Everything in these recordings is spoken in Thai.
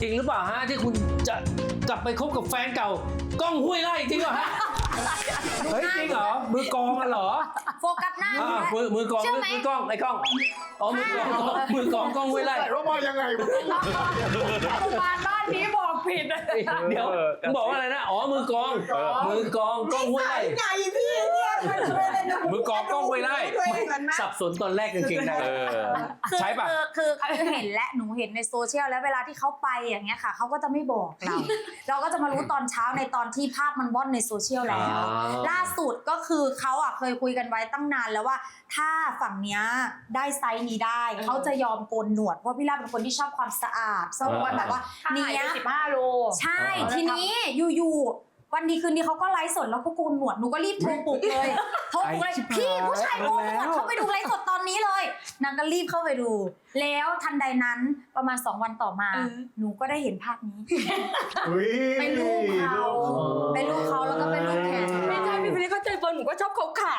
จริงหรือเปล่าฮะที่คุณจะกลับไปคบกับแฟนเก่าก้องห้วยไร่จริงเหรอฮะเฮ้ยจริงเหรอมือกองมาเหรอโฟกัสหน้ามือกองมือกองไอ้กล้องอ๋อมือกองก้องห้วยไร่แต่ว่ามายังไงบ้านนี้บอกผิดเดี๋ยวบอกว่าอะไรนะอ๋อมือกองก้องห้วยไร่ไงพี่เนี่ยมันจะเป็นอะไรนะมือกองก้องห้วยไร่สับสนตอนแรกกางเกงในใช่ปะคือเห็นและหนูเห็นในโซเชียลแล้วเวลาที่เขาไปอย่างเงี้ยค่ะเขาก็จะไม่บอกเรา เราก็จะมารู้ตอนเช้าในตอนที่ภาพมันว่อนในโซเชียลแล้ว ล่าสุดก็คือเขาเคยคุยกันไว้ตั้งนานแล้วว่าถ้าฝั่งเนี้ยได้ไซส์นี้ได้เขาจะยอมโกนหนวดเพราะพี่ลาเป็นคนที่ชอบความสะอาดชอบความแบบว่าเนี้ย 15 โลใช่ทีนี้อยู่วันดีคืนดีเขาก็ไลฟ์สดแล้วก็โกนหนวดหนูก็รีบโทรปลุกเลยโทรปลุกเลยพี่ผู้ชายโกนหนวดเข้าไปดูไลฟ์สดตอนนี้เลยนางก็รีบเข้าไปดู แล้วทันใดนั้นประมาณ2 วันต่อมาหนูก็ได้เห็นภาพนี้เป็นรูปเขาแล้วก็เป็นรูปแขนไม่ใช่พี่ฟิลิปเข้าใจเฟิร์นหนูก็ชอบเขาขาว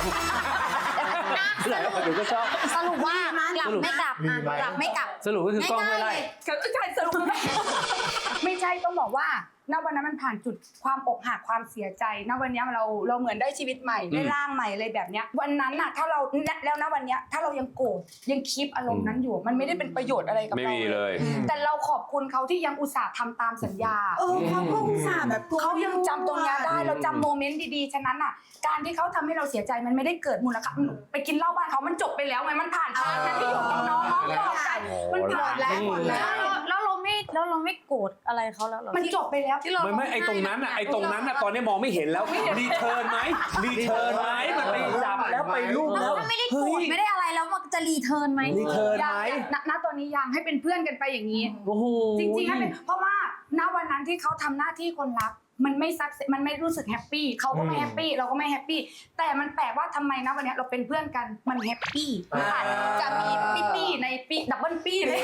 หนูก็ชอบสรุปว่ากลับไม่กลับกลับไม่กลับสรุปก็คือกล้องห้วยไร่ใช่สรุปไม่ใช่ต้องบอกว่าณวันนั้นมันผ่านจุดความอกหักความเสียใจณวันนี้เราเหมือนได้ชีวิตใหม่ได้ร่างใหม่อะไรแบบเนี้ยวันนั้นน่ะถ้าเราแล้วณวันนี้ถ้าเรายังโกรธยังคีปอารมณ์นั้นอยู่มันไม่ได้เป็นประโยชน์อะไรกับเราไม่มีเลยแต่เราขอบคุณเขาที่ยังอุตส่าห์ทำตามสัญญาเขาก็อุตส่าห์แบบเขายังจำตรงนี้ได้เราจำโมเมนต์ดีๆฉะนั้นอ่ะการที่เขาทำให้เราเสียใจมันไม่ได้เกิดมูลค่าไปกินเหล้าบ้านเขามันจบไปแล้วไงมันผ่านทางนั้นที่อยู่กับน้องปลอบใจมันผ่านแล้วแล้วเราไม่โกรธอะไรเขาแล้วหรอมันจบไปแล้วไม่ไอ้ตรงนั้นตอนนี้มองไม่เห็นแล้วรีเทิร์นไหมมันไปจับแล้วไปรูปแล้วถ้าไม่ได้โกรธไม่ได้อะไรแล้วมันจะรีเทิร์นไหมรีเทิร์นไหมณตอนนี้ยังให้เป็นเพื่อนกันไปอย่างนี้โอ้โหจริงๆให้เป็นเพราะว่าณวันนั้นที่เขาทำหน้าที่คนรักมันไม่ซักมันไม่รู้สึกแฮปปี้เขาก็ไม่แฮปปี้เราก็ไม่แฮปปี้แต่มันแปลกว่าทำไมนะวันนี้เราเป็นเพื่อนกันมันแฮปปี้อาจจะมีปี้ในปี้ดับเบิลปี้เลย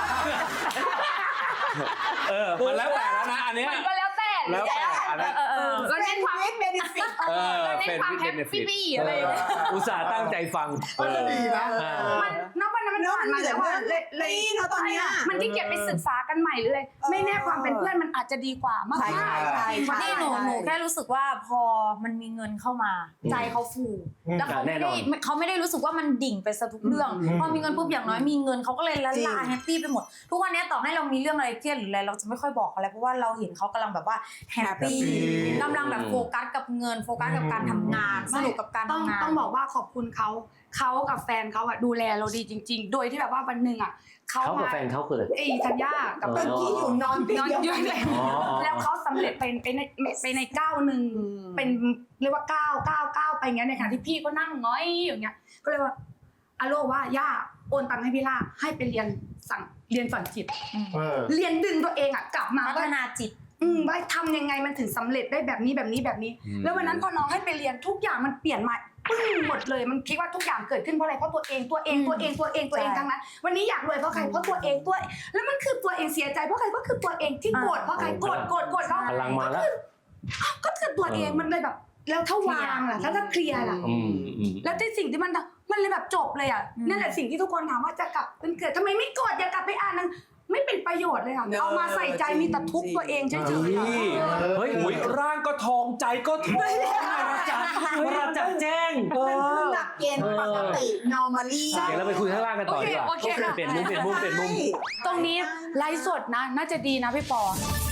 มันแล้วแต่แล้วนะอันเนี้ยมันก็แล้วแต่แล้วแต่อันนั้นก็เน้นความเบนิฟิตก็เน้นความแฮปปี้อะไรอย่างเงี้ยอุตส่าห์ตั้งใจฟังก็ดีนะมันณวันนั้นมันผ่านมาแล้วว่าเลยเนาะตอนเนี้ยมันที่เก็บไปศึกษากันใหม่หรืออะไรไม่แน่ความเป็นเพื่อนมันอาจจะดีกว่ามากนี่หนูแค่รู้สึกว่าพอมันมีเงินเข้ามาใจเขาฟูแล้วเขาไม่ได้รู้สึกว่ามันดิ่งไปซะทุกเรื่องพอมีเงินปุ๊บอย่างน้อยมีเงินเขาก็เลยละลาแฮปปี้ไปหมดทุกวันนี้ต่อให้เรามีเรื่องอะไรเครียดหรืออะไรเราจะไม่ค่อยบอกเขาแล้วเพราะว่าเราเห็นเขากำลังแบบว่าแฮปปี้กำลังแบบโฟกัสกับเงินโฟกัสกับการทำงานสนุกกับการทำงานต้องบอกว่าขอบคุณเขากับแฟนเขาอะดูแลเราดีจริง ๆ โดยที่แบบว่าวันหนึ่งอะเขากับแฟนเขาคืออะไรธัญญากับเมื่อกี้อยู่นอนนอนอยู่แล้วเขาสำเร็จไปในก้าวหนึ่งเป็นเรียกว่าก้าวไปอย่างเงี้ยในขณะที่พี่ก็นั่งง้อยอย่างเงี้ยก็เลยว่าอโลว่าย่าโอนตังค์ให้พี่ล่าให้ไปเรียนฝังจิตเรียนดึงตัวเองอะกลับมาพัฒนาจิตว่าทำยังไงมันถึงสำเร็จได้แบบนี้แล้ววันนั้นพอน้องให้ไปเรียนทุกอย่างมันเปลี่ยนมาปึ้งหมดเลยมันคิดว่าทุกอย่างเกิดขึ้นเพราะอะไรเพราะตัวเองทั้งนั้นวันนี้อยากรวยเพราะใครเพราะตัวเองแล้วมันคือตัวเองเสียใจเพราะใครก็คือตัวเองที่โกรธเพราะใครโกรธแล้วพลังมาแล้วก็คือตัวเองมันเลยแบบแล้วถ้าวางล่ะแล้วถ้าเคลียร์ล่ะแล้วที่สิ่งที่มันเลยแบบจบเลยอ่ะนั่นแหละสิ่งที่ทุกคนถามว่าจะกลับเป็นเกิดทำไมไม่โกรธอย่ากลับไปอ่านนึงไม่เป็นประโยชน์เลยค่ะเอามาใส่ใจมีแต่ทุกข์ตัวเองเฉยๆเฮ้ยร่างก็ทองใจก็ทองราจัดแจ้งเป็นหลักเกณฑ์ปกติ normally เดี๋ยวเราไปคุยข้างล่างกันต่อดีกว่าโอเคค่ะเปลี่ยนมุมตรงนี้ไลฟ์สดนะน่าจะดีนะพี่ปอ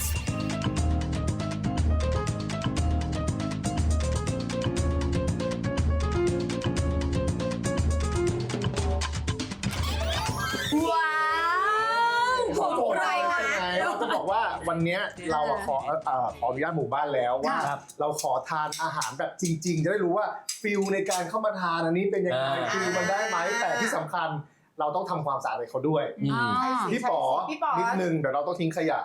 ว้าวของใจนะเราจะบอกว่าวันนี้เราขออนุญาตหมู่บ้านแล้วว่าเราขอทานอาหารแบบจริงๆจะได้รู้ว่าฟิลในการเข้ามาทานอันนี้เป็นยังไงฟิลมันได้ไหมแต่ที่สำคัญเราต้องทำความสะอาดให้เขาด้วยพี่ป๋อนิดนึงเดี๋ยวเราต้องทิ้งขยะ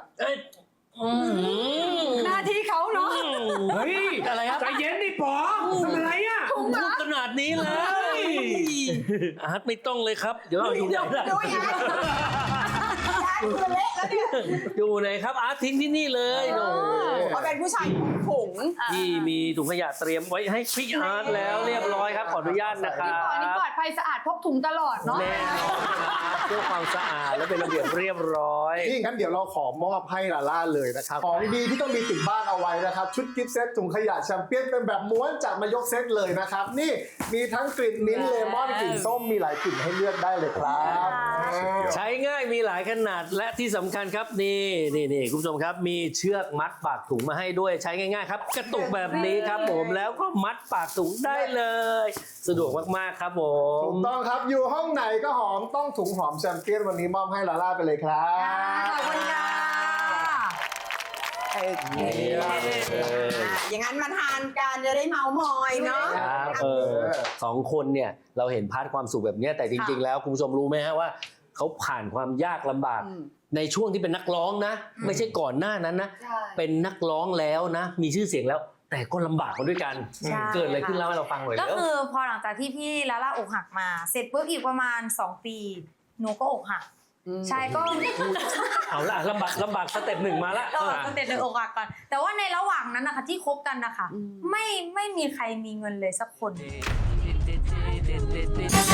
หน้าที่เขาเนาะเฮ้ยอะไรครับใจเย็นดิป๋อทำอะไรอ่ะพูดขนาดนี้เลยอาร์ตไม่ต้องเลยครับเดี๋ยวเราอยู่ไหนล่ะย้ายมือเละแล้วเนี่ยอยู่ไหนครับอาร์ตทิ้งที่นี่เลยโอ้โหเขาเป็นผู้ชายผงพี่มีถุงขยะเตรียมไว้ให้พี่อาร์ตแล้วเรียบร้อยครับขออนุญาตนะครันี่บปลอดภัยสะอาดพกถุงตลอดเนาะแน่นอนครับเพื่อความสะอาดและเป็นระเบียบเรียบร้อยนี่งั้นเดี๋ยวเราขอมอบให้ลาล่าเลยนะครับ ของดีที่ต้องมีติดบ้านเอาไว้นะครับ ชุดกิฟต์เซตถุงขยะแชมเปี้ยนเป็นแบบม้วนจัดมายกเซตเลยนะครับ นี่มีทั้งกลิ่นมิ้นท์เลมอนกลิ่นส้มมีหลายกลิ่นให้เลือกได้เลยครับใช้ง่ายมีหลายขนาดและที่สำคัญครับนี่คุณผู้ชมครับมีเชือกมัดปากถุงมาให้ด้วยใช้ง่ายๆครับกระตุกแบบนี้ครับผมแล้วก็มัดปากถุงได้เลย สะดวกมากๆครับผมถูกต้องครับอยู่ห้องไหนก็หอมต้องถุงหอมแชมเปี้ยนวันนี้มอบให้ลาล่าไปเลยครับขอบคุณค่ะโอเคอย่างนั้นมาทานกันจะได้เมามอยเนาะครับสองคนเนี่ยเราเห็นพาร์ทความสุขแบบเนี้ยแต่จริงๆแล้วคุณผู้ชมรู้ไหมฮะว่าเขาผ่านความยากลำบาก ในช่วงที่เป็นนักร้องนะ ไม่ใช่ก่อนหน้านั้นนะใช่เป็นนักร้องแล้วนะ มีชื่อเสียงแล้ว แต่ก็ลำบากมาด้วยกันใช่เกิดอะไรขึ้นเล่าให้เราฟังหน่อยก็แล้วคือพอหลังจากที่พี่ลาล่าอกหักมา เสร็จปุ๊บอีกประมาณ2 ปีหนูก็อกหักใช่ก็เอาละลำบากสเต็ปหนึ่งมาละก็เต็มเลยอกหักก่อนแต่ว่าในระหว่างนั้นนะคะที่คบกันนะคะไม่มีใครมีเงินเลยสักคน